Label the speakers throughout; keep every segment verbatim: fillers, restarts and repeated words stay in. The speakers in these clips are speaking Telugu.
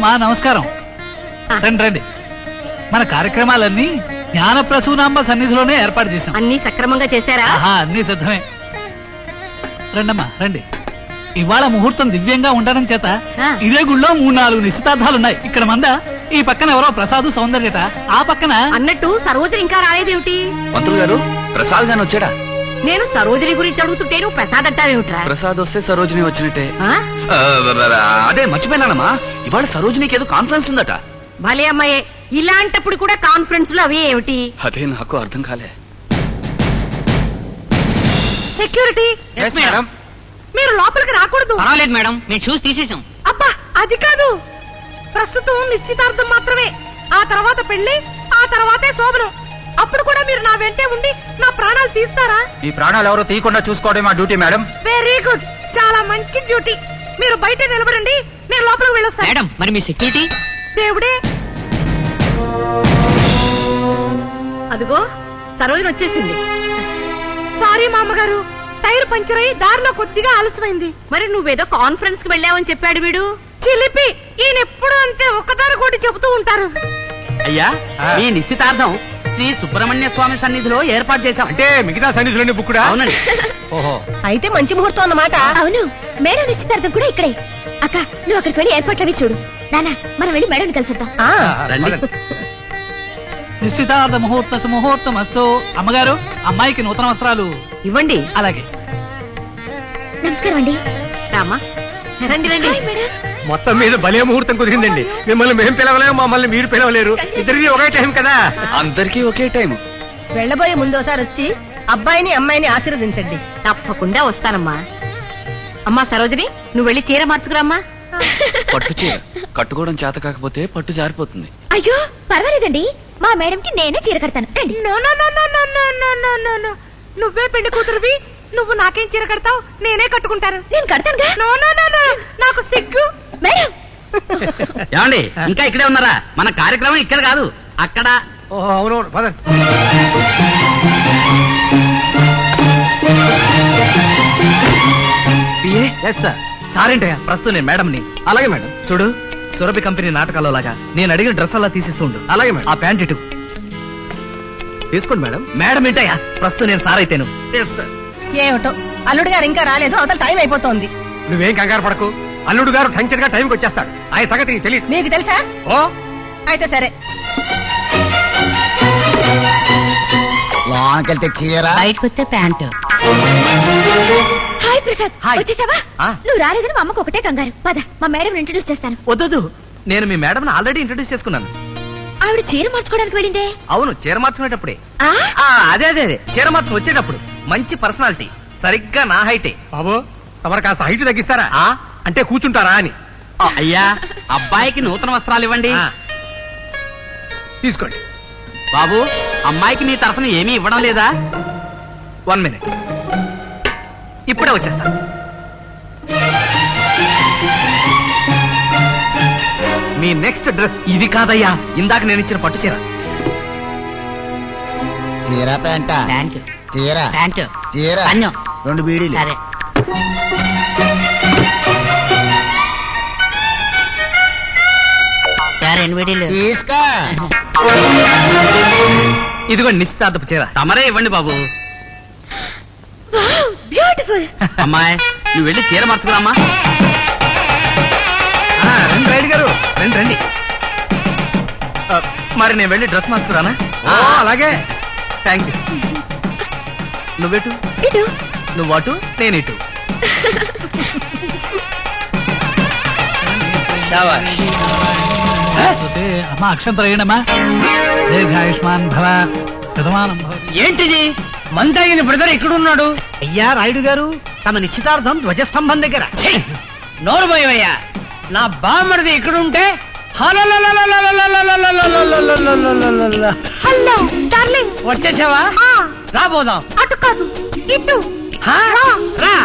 Speaker 1: అమ్మా నమస్కారం. రండి రండి. మన కార్యక్రమాలన్నీ జ్ఞాన ప్రసూనాంబ సన్నిధిలోనే ఏర్పాటు చేశాం.
Speaker 2: అన్ని సక్రమంగా చేశారా?
Speaker 1: అన్ని సిద్ధమే. రండమ్మా రండి. ఇవాళ ముహూర్తం దివ్యంగా ఉండడం చేత ఇదే గుళ్ళో మూడు నాలుగు నిశ్చితార్థాలున్నాయి. ఇక్కడ మంద, ఈ పక్కన ఎవరో ప్రసాదు సౌందర్యత, ఆ పక్కన
Speaker 2: అన్నట్టు సరోజని ఇంకా రాలేదేమిటి?
Speaker 3: మంత్రులు గారు ప్రసాద్ గాని వచ్చాడా?
Speaker 2: నేను సరోజని గురించి అడుగుతుంటే నువ్వు ప్రసాద్ అంటావేమిట్రా?
Speaker 3: ప్రసాద్ వస్తే సరోజిని వచ్చినట్టే. అదే మర్చిపోయినానమ్మా, ఇవాళ సరోజినికి ఏదో కాన్ఫరెన్స్ ఉందట.
Speaker 2: భలే అమ్మాయే, ఇలాంటప్పుడు కూడా కాన్ఫరెన్స్ లో అవి ఏమిటి?
Speaker 3: అదే నాకు అర్థం కాలే.
Speaker 2: సెక్యూరిటీ మీరు లోపలికి రాకూడదు.
Speaker 4: పర్వాలేదు మేడం, మేము చూసి తీసేసాం.
Speaker 2: అబ్బా అది కాదు, ప్రస్తుతం నిశ్చితార్థం మాత్రమే. ఆ తర్వాత పెళ్లి, ఆ తర్వాతే శోభనం. అప్పుడు కూడా మీరు నా వెంటే ఉండి నా ప్రాణాలు తీస్తారా?
Speaker 5: ఈ ప్రాణాలు ఎవరో తీయకుండా చూసుకోవడం మా డ్యూటీ మేడం.
Speaker 2: వెరీ గుడ్, చాలా మంచి డ్యూటీ. మీరు బయట నిలబడండి, నేను లోపలికి వెళ్ళొస్తాను.
Speaker 4: మేడం మరి మీ సెక్యూరిటీ?
Speaker 2: దేవుడే, అదిగో సరోజన వచ్చేసింది. సారీ మామగారు, టైర్ పంచర్ అయి దారిలో కొద్దిగా ఆలస్యమైంది. మరి నువ్వేదో కాన్ఫరెన్స్ కి వెళ్ళావని చెప్పాడు వీడు. చిలిపి, ఈయన ఎప్పుడు అంతే ఒక్కదారి కూడా చెబుతూ ఉంటారు.
Speaker 4: అయ్యా, ఈ నిశ్చితార్థం శ్రీ సుబ్రహ్మణ్య స్వామి సన్నిధిలో ఏర్పాటు చేశాం.
Speaker 5: అంటే మిగతా సన్నిధిలోనే బుక్కుడా?
Speaker 4: అవునండి.
Speaker 5: ఓహో,
Speaker 2: అయితే మంచి ముహూర్తం అన్నమాట.
Speaker 6: అవును, మేడం నిశ్చితార్థం కూడా ఇక్కడే. అక్క, నువ్వు అక్కడికి వెళ్ళి ఏర్పాట్లు అవి చూడు. నాన్న, మనం వెళ్ళి మేడం కలిసిద్దాం.
Speaker 4: రండి.
Speaker 1: నిశ్చితార్థ ముహూర్త సుముహూర్తం అస్తు. అమ్మగారు, అమ్మాయికి నూతన వస్త్రాలు
Speaker 2: ఇవ్వండి.
Speaker 1: అలాగే.
Speaker 6: నమస్కారం అండి.
Speaker 2: రామా, రండి రండి.
Speaker 5: మొత్తం మీద భలే ముహూర్తం కుదిరిందండి. మిమ్మల్ని మేము పిలవలేము, మమ్మల్ని మీరు పిలవలేరు. ఇద్దరికి ఒకే టైం కదా.
Speaker 3: అందరికీ ఒకే టైం.
Speaker 2: వెళ్ళబోయే ముందోసారి వచ్చి అబ్బాయిని అమ్మాయిని ఆశీర్వదించండి. తప్పకుండా వస్తానమ్మా. అమ్మా సరోజిని, నువ్వు వెళ్ళి చీర మార్చుకురామ్మా.
Speaker 3: పట్టు చీర కట్టుకోవడం చేత కాకపోతే పట్టు జారిపోతుంది.
Speaker 6: అయ్యో పర్వాలేదండి, మా మేడంకి నేనే చీర కడతాను. రండి.
Speaker 2: No no no no no no no no no no. నువ్వే పెళ్లి కూతురువి, నువ్వు నాకేం చీర కడతావు? నేనే కట్టుకుంటాను.
Speaker 6: నేను కడతానుగా.
Speaker 2: నో నో నో నో, నాకు సిగ్గు.
Speaker 6: మేడం,
Speaker 4: ఏమండి, ఇంకా ఇక్కడే ఉన్నారా? మన కార్యక్రమం ఇక్కడ కాదు, అక్కడ.
Speaker 5: ఓహో, అవునవును, పదండి.
Speaker 7: సారేంటయ్యా, ప్రస్తుతం నేను మేడంని.
Speaker 5: అలాగే మేడం.
Speaker 7: చూడు, సురభి కంపెనీ నాటకాల్లో లాగా నేను అడిగిన డ్రెస్ అలా తీసిస్తుండు.
Speaker 5: అలాగే మేడం.
Speaker 7: ఆ ప్యాంట్ ఇటు
Speaker 5: తీసుకోండి మేడం.
Speaker 7: మేడం ఏంటయ్యా, ప్రస్తుతం నేను సార్ అయితేను.
Speaker 2: ఏమిటో, అల్లుడు గారు ఇంకా రాలేదు, అవతల టైం అయిపోతోంది.
Speaker 5: నువ్వేం కంగారు పడకు, అల్లుడు గారు టంచర్ గా టైంకి వచ్చేస్తాడు. ఆయన సంగతి తెలియదు.
Speaker 2: మీకు తెలుసా?
Speaker 5: ఓ,
Speaker 2: అయితే సరే.
Speaker 8: లోనకెళ్తే చీర,
Speaker 2: బయటకు వస్తే ప్యాంటు.
Speaker 6: Hi Prasad,
Speaker 7: hi.
Speaker 6: వచ్చేసావా?
Speaker 7: ఆ.
Speaker 6: నువ్వు రాలేదని మా అమ్మకు ఒకటే కంగారు. పద, మా మేడం ఇంట్రడ్యూస్ చేస్తాను.
Speaker 7: వద్దు, నేను మీ మేడం ఆల్రెడీ ఇంట్రడ్యూస్ చేసుకున్నాను.
Speaker 6: ఆవిడ చీర మార్చుకోవడానికి వెళ్ళిందే.
Speaker 7: అవును, చీర మార్చుకునేటప్పుడే.
Speaker 6: ఆ?
Speaker 7: ఆ, అదే అదే అదే చీర మార్చుకు వచ్చేటప్పుడు మంచి పర్సనాలిటీ, సరిగ్గా నా హైటే.
Speaker 5: బాబు తమరు కాస్త హైట్ తగ్గిస్తారా?
Speaker 7: ఆ?
Speaker 5: అంటే కూర్చుంటారా అని.
Speaker 4: అయ్యా, అబ్బాయికి నూతన వస్త్రాలు ఇవ్వండి.
Speaker 5: ఆ. తీసుకోండి.
Speaker 4: బాబు, అమ్మాయికి నీ తరఫున ఏమీ ఇవ్వడం లేదా?
Speaker 7: వన్ మినిట్, ఇప్పుడే వచ్చేస్తా. మీ నెక్స్ట్ డ్రెస్ ఇది కాదయ్యా, ఇందాక నేను ఇచ్చిన పట్టు చీర.
Speaker 8: చీర ప్యాంట,
Speaker 4: ప్యాంటు,
Speaker 8: చీర
Speaker 4: ప్యాంటు,
Speaker 8: చీర,
Speaker 4: అన్నం.
Speaker 8: రెండు బీడీలు.
Speaker 4: సరే. రెండు వీడియోలు
Speaker 8: తీసుకో.
Speaker 7: ఇదిగో నిశ్చితార్థపు చీర.
Speaker 4: తమరే ఇవ్వండి బాబు.
Speaker 6: బ్యూటిఫుల్.
Speaker 4: అమ్మాయి, నువ్వు వెళ్ళి చీర మార్చుకురామ్మా.
Speaker 7: ఆ, రండి రైడ్ గారు, రండి రండి. ఆ, మరి నేను వెళ్ళి డ్రెస్ మార్చుకురానా?
Speaker 5: ఓ, అలాగే.
Speaker 7: Thank you. నువ్వెటు?
Speaker 6: ఇటు.
Speaker 7: నువ్వు అటు, నేను ఇటు.
Speaker 1: అమ్మా అక్షంతలు వేయండమ్మా. దీర్ఘాయుష్మాన్ భవ, శతమానం భవ.
Speaker 4: ఏంటిది? మందగిన బ్రదర్ ఎక్కడున్నాడు?
Speaker 7: అయ్యా రాయుడు గారు, తమ నిశ్చితార్థం ధ్వజస్తంభం దగ్గర.
Speaker 4: నోరు పోయవయ్యా, నా బామ్మడిది ఎక్కడుంటే
Speaker 2: హలో డార్లింగ్,
Speaker 4: వచ్చేసావా? రాబోదాం.
Speaker 2: అటు కాదు, ఇటు.
Speaker 4: రా.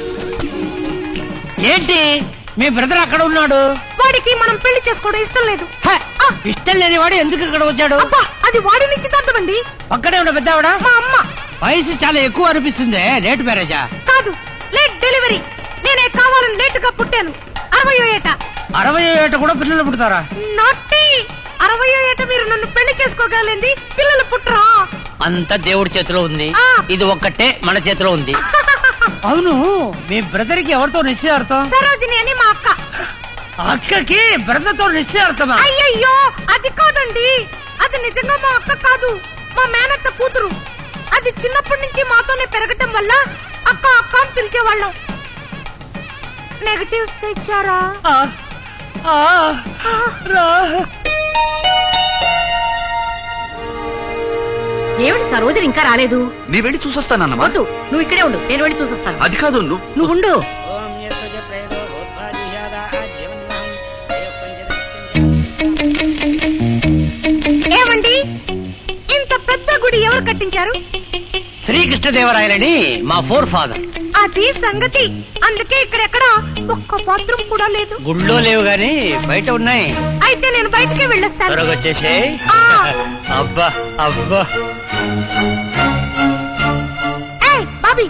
Speaker 4: ఏంటి, మీ బ్రదర్ అక్కడ ఉన్నాడు?
Speaker 2: వాడికి మనం పెళ్లి చేసుకోవడం ఇష్టం లేదు.
Speaker 4: ఇష్టం లేని వాడు ఎందుకు ఇక్కడ వచ్చాడు?
Speaker 2: అబ్బా, అది వాడి నిశ్చితార్థం అండి.
Speaker 4: పక్కనే ఉన్న పెద్దవాడా?
Speaker 2: మా అమ్మ.
Speaker 4: వయసు చాలా ఎక్కువ అనిపిస్తుంది. లేట్ మ్యారేజా?
Speaker 2: కాదు, లేట్ డెలివరీ. నేనే కావాలని లేట్ గా పుట్టాను. అరవై ఏట
Speaker 5: అరవై ఏట కూడా పిల్లలు పుడతారా?
Speaker 2: నాటి అరవై ఏట మీరు నన్ను పెళ్లి చేసుకోగలింది, పిల్లలు పుట్టరా?
Speaker 4: అంత దేవుడి చేతిలో ఉంది,
Speaker 2: ఆ.
Speaker 4: ఇది ఒక్కటే మన చేతిలో ఉంది.
Speaker 5: అవును, మీ బ్రదర్ కి ఎవరితో నిశ్చయార్థం?
Speaker 2: సరోజిని అని మా అక్క.
Speaker 5: అక్కకి బ్రదర్ తో నిశ్చయార్థమా?
Speaker 2: అయ్యయ్యో అది కాదండి, అది నిజంగా మా అక్క కాదు, మా మేనత్త కూతురు. అది చిన్నప్పటి నుంచి మాతోనే పెరగటం వల్ల అక్క అక్క అని పిలిచేవాళ్ళం. నెగటివ్స్ తెచ్చారా? ఏమిటి సరోజని ఇంకా రాలేదు?
Speaker 3: నీ వెళ్ళి చూసొస్తానమ్మా.
Speaker 2: వద్దు, నువ్వు ఇక్కడే ఉండు, నేను వెళ్ళి చూసొస్తాను.
Speaker 3: అది కాదు, నువ్వు
Speaker 2: నువ్వు ఉండు. ఏమండి, ఇంత పెద్ద గుడి ఎవరు కట్టించారు?
Speaker 4: శ్రీకృష్ణదేవరాయలని మా ఫోర్ ఫాదర్.
Speaker 2: అది సంగతి. అందుకే ఇక్కడెక్కడ ఒక్క బాత్రూమ్ కూడా లేదు.
Speaker 4: గుళ్ళో లేవు గాని బయట ఉన్నాయి.
Speaker 2: అయితే నేను బయటకే వెళ్ళొస్తాను.
Speaker 4: త్వరగా వచ్చేసే.
Speaker 2: ఆ.
Speaker 4: అబ్బా అబ్బా.
Speaker 2: ఏయ్, బాబీ,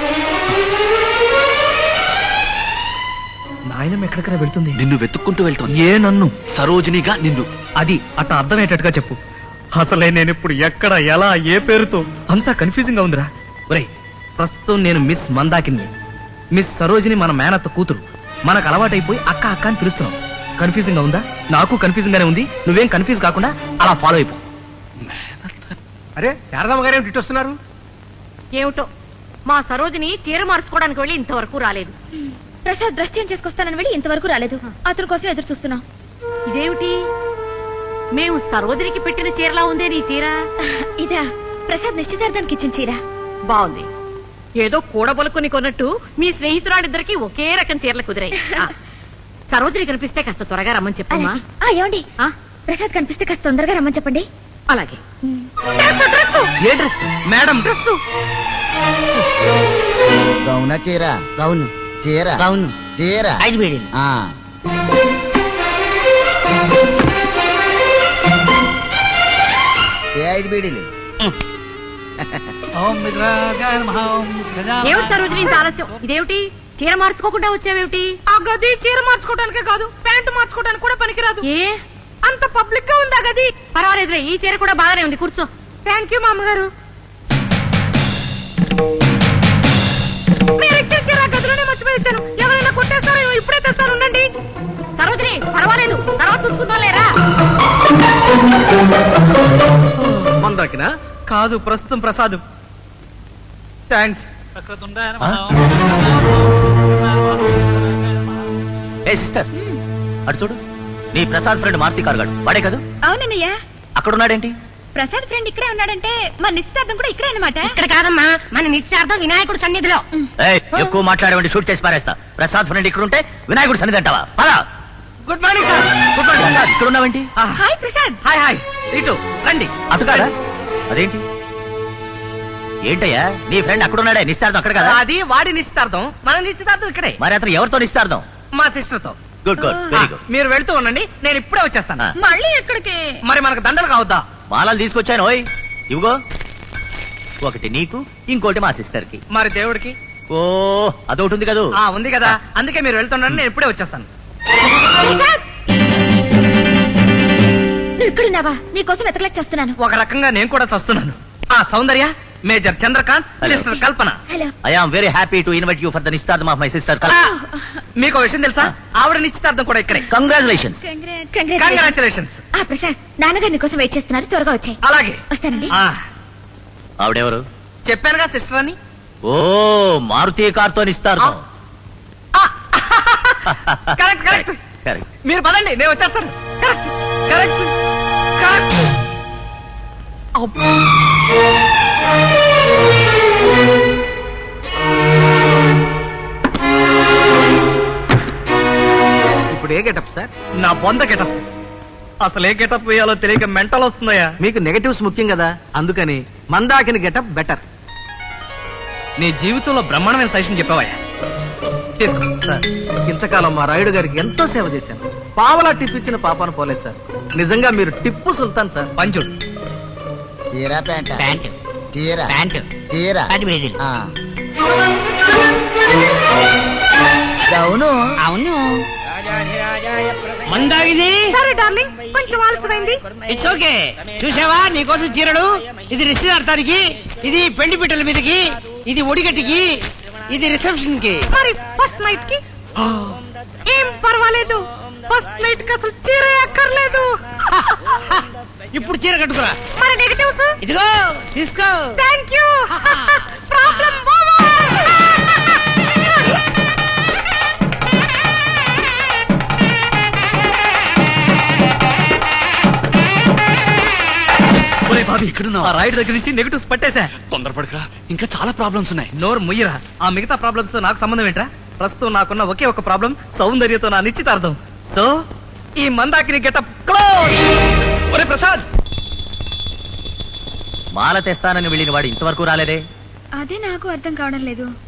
Speaker 7: నాయనం ఎక్కడికైనా వెళ్తుంది.
Speaker 3: నిన్ను వెతుక్కుంటూ వెళ్తాను.
Speaker 7: ఏ నన్ను?
Speaker 3: సరోజినిగా నిన్ను.
Speaker 7: అది అట్ట అర్థమయ్యేటట్టుగా చెప్పు. అసలే నేను ఇప్పుడు ఎక్కడ ఎలా ఏ పేరుతో అంతా కన్ఫ్యూజింగ్ గా ఉందిరా. ఒరేయ్, ప్రస్తుతం నేను మిస్ మందాకిని, మిస్ సరోజిని మన మేనత్త కూతురు. మనకు అలవాటైపోయి అక్క అక్క అని పిలుస్తున్నాం. కన్ఫ్యూజింగ్ గా ఉందా? నాకు కన్ఫ్యూజింగ్ గానే ఉంది. నువ్వేం కన్ఫ్యూజ్ కాకుండా అలా ఫాలో అయిపో.
Speaker 5: అరే శారదమ్మ గారు ఏమిటి వస్తున్నారు?
Speaker 2: ఏమిటో మా సరోజిని చీర మార్చుకోవడానికి వెళ్ళి ఇంతవరకు రాలేదు.
Speaker 6: ప్రసాద్ డ్రెస్ చేంజ్ చేసుకొస్తానని వెళ్ళి ఇంతవరకు రాలేదు. అతని కోసం ఎదురు చూస్తున్నాం.
Speaker 2: ఇదేమిటి, మేము సరోజినికి పెట్టిన చీరలా ఉందే నీ చీర?
Speaker 6: ఇదా ప్రసాద్ నిశ్చితార్థానికి ఇచ్చిన చీర.
Speaker 2: బాగుంది. ఏదో కూడబలుకుని కొన్నట్టు మీ స్నేహితురాలిద్దరికి ఒకే రకం చీరలు కుదిరాయి. ఆ, సరోజిని కనిపిస్తే కాస్త త్వరగా రమ్మని చెప్పమ్మా.
Speaker 6: అలాగే. ఆ, ఏమండి,
Speaker 2: ఆ,
Speaker 6: ప్రసాద్ కనిపిస్తే కాస్త తొందరగా రమ్మని చెప్పండి.
Speaker 2: అలాగే.
Speaker 5: ఏ డ్రెస్ మేడం?
Speaker 2: డ్రెస్సు
Speaker 8: గౌన చీర
Speaker 4: అవును
Speaker 8: చీర
Speaker 4: అవును.
Speaker 8: చీర
Speaker 4: ఐదు వేడి.
Speaker 8: ఆ. ఏ ఐదు బీడీలు?
Speaker 1: ఓం విఘ్నాయ నమః, ఓం గజాననాయ
Speaker 2: ఏమిటి సరోజిని ఇంత ఆలస్యం? ఇదేమిటి, చీర మార్చుకోకుండా వచ్చావేమిటి? ఆ గది చీర మార్చుకోవడానికే కాదు, ప్యాంటు మార్చుకోవడానికి కూడా పనికిరాదు. ఏ అంత పబ్లిక్ గా ఉందా గది? పర్వాలేదులే, ఈ చీర కూడా బాగానే ఉంది, కూర్చో. థ్యాంక్ యూ మామగారు. మీరు ఇచ్చిన చీర గదిలోనే మర్చిపోయి వచ్చాను. ఎవరైనా కొట్టేస్తారో ఇప్పుడే తెస్తాను, ఉండండి. సరోజిని పర్వాలేదు, తర్వాత చూసుకుందాం లేరా.
Speaker 5: మందాకినా? కాదు, ప్రస్తుతం ప్రసాద్. థ్యాంక్స్.
Speaker 1: వక్రతుండాయ నమః,
Speaker 3: ఏ సిస్టర్, అటు చూడు. నీ ప్రసాద్ ఫ్రెండ్ మార్తి కార్గాడు వాడే కదా?
Speaker 6: అవునన్నయ్య,
Speaker 3: అక్కడ ఉన్నాడేంటి?
Speaker 6: ప్రసాద్ ఫ్రెండ్ ఇక్కడే ఉన్నాడంటే మన నిశ్చితార్థం కూడా ఇక్కడే అన్నమాట.
Speaker 2: ఇక్కడ కాదమ్మా, మన నిశ్చార్థం వినాయకుడు సన్నిధిలో.
Speaker 3: ఏయ్, ఎక్కువ మాట్లాడేవండి షూట్ చేసి పారేస్తా. ప్రసాద్ ఫ్రెండ్ ఇక్కడ ఉంటే వినాయకుడు సన్నిధి అంటావా? పదా.
Speaker 5: Good morning sir.
Speaker 3: Good morning Prasad, ఇక్కడ ఉన్నావేంటి?
Speaker 6: హాయ్ ప్రసాద్.
Speaker 5: Hi hi. ఇటు రండి.
Speaker 3: అటు కాదా? అదేంటి ఏంటయ్యా, నీ ఫ్రెండ్ అక్కడ ఉన్నాడే, నిశ్చార్థం అక్కడ కదా?
Speaker 5: అది వాడి నిశ్చితార్థం, మన నిశ్చితార్థం ఇక్కడే,
Speaker 3: మరి అతను ఎవరితో నిశ్చార్థం?
Speaker 5: మా సిస్టర్ తో.
Speaker 3: Good good, very good.
Speaker 5: మీరు వెళ్తూ ఉండండి, నేను ఇప్పుడే వచ్చేస్తాను.
Speaker 3: ఆ.
Speaker 6: మళ్ళీ ఎక్కడికి?
Speaker 5: మరి మనకు దండలు కావద్దా?
Speaker 3: మాలలు తీసుకొచ్చాను. ఓయ్ ఇవిగో, ఒకటి నీకు, ఇంకోటి మా సిస్టర్ కి.
Speaker 5: మరి దేవుడికి?
Speaker 3: ఓ అదొకటి ఉంది కదా?
Speaker 5: ఆ ఉంది కదా, అందుకే మీరు వెళ్తుండండి, నేను ఇప్పుడే వచ్చేస్తాను.
Speaker 6: నువ్వు ఇక్కడున్నావా? నీకోసం ఎతకలేక చేస్తున్నాను.
Speaker 5: ఒక రకంగా నేను కూడా చస్తున్నాను. ఆ Soundarya, major Chandrakant,
Speaker 3: Hello.
Speaker 5: Sister Kalpana.
Speaker 6: Hello.
Speaker 3: I am very happy to invite you for the నిశ్చితార్థం ఆఫ్ మై సిస్టర్.
Speaker 5: మీకు విషయం తెలుసా? ఆవిడ నిశ్చితార్థం కూడా ఇక్కడే.
Speaker 3: కంగ్రాచులేషన్స్.
Speaker 5: కంగ్రాచులేషన్స్.
Speaker 6: ఆ ప్రసాద్, నాన్నగారు నీకోసం వెయిట్ చేస్తున్నారు, త్వరగా వచ్చాయి.
Speaker 5: అలాగే.
Speaker 6: వస్తానండి.
Speaker 5: ఆ
Speaker 3: ఆవిడెవరు?
Speaker 5: చెప్పానుగా సిస్టర్ అని.
Speaker 3: ఓ మారుతి కార్తో నిశ్చితార్థం.
Speaker 5: Correct correct.
Speaker 3: కరెక్ట్.
Speaker 5: మీరు పదండి, నేను వచ్చేస్తాను. Correct correct correct. ఇప్పుడు ఏ గెటప్ సార్?
Speaker 7: నా బొంద గెటప్. అసలు ఏ గెటప్ వేయాలో తెలియక మెంటల్ వస్తుందయ్యా.
Speaker 5: మీకు నెగటివ్స్ ముఖ్యం కదా, అందుకని మందాకిని గెటప్ బెటర్.
Speaker 7: నీ జీవితంలో బ్రహ్మాండమైన సజెషన్ చెప్పావయ్యా.
Speaker 5: తీసుకో సార్. ఇంతకాలం మా రాయుడు గారికి ఎంతో సేవ చేశాను. పావలా టిప్ ఇచ్చిన పాపాను పోలేదు సార్. నిజంగా మీరు టిప్పు సుల్తాన్ సార్.
Speaker 7: పంచుడు.
Speaker 8: చీర ప్యాంట
Speaker 4: ప్యాంటు
Speaker 8: చీర
Speaker 4: ప్యాంటు
Speaker 8: చీర
Speaker 4: పది వేడి.
Speaker 8: ఆ. గౌను
Speaker 4: అవును.
Speaker 5: రాజాధిరాజ
Speaker 4: మందాగిది
Speaker 2: సరే డార్లింగ్ కొంచెం ఆలస్యమైంది.
Speaker 4: It's okay. చూసావా నీకోసం చీరడు, ఇది నిశ్చితార్థానికి, ఇది పెళ్లి పిట్టల మీదకి, ఇది ఒడిగట్టికి, ఇది రిసెప్షన్ కి.
Speaker 2: మరి ఫస్ట్ నైట్ కి ఏం పర్వాలేదు. ఫస్ట్ నైట్ కి అసలు చీర అక్కర్లేదు.
Speaker 4: ఇప్పుడు చీర కట్టుకురా.
Speaker 2: మరి నెగటివ్స్
Speaker 4: ఇదిగో తీసుకో.
Speaker 2: Thank you. ప్రాబ్లం
Speaker 7: ఒరే బాబీ ఇక్కడున్నా ఆ రాయుడు దగ్గర నుంచి నెగటివ్స్ పట్టేశా.
Speaker 3: తొందరపడకరా, ఇంకా చాలా ప్రాబ్లమ్స్ ఉన్నాయి.
Speaker 7: నోరు ముయ్యరా. ఆ మిగతా ప్రాబ్లమ్స్ తో నాకు సంబంధం ఏంట్రా? ప్రస్తుతం నాకున్న ఒకే ఒక ప్రాబ్లం, సౌందర్యతో నా నిశ్చితార్థం. సో ఈ మందాకిని గెటప్ క్లోజ్. ఒరే ప్రసాద్,
Speaker 5: మాల తెస్తానని వెళ్ళిన వాడు ఇంతవరకు రాలేదే.
Speaker 6: అదే నాకు అర్థం కావడం లేదు.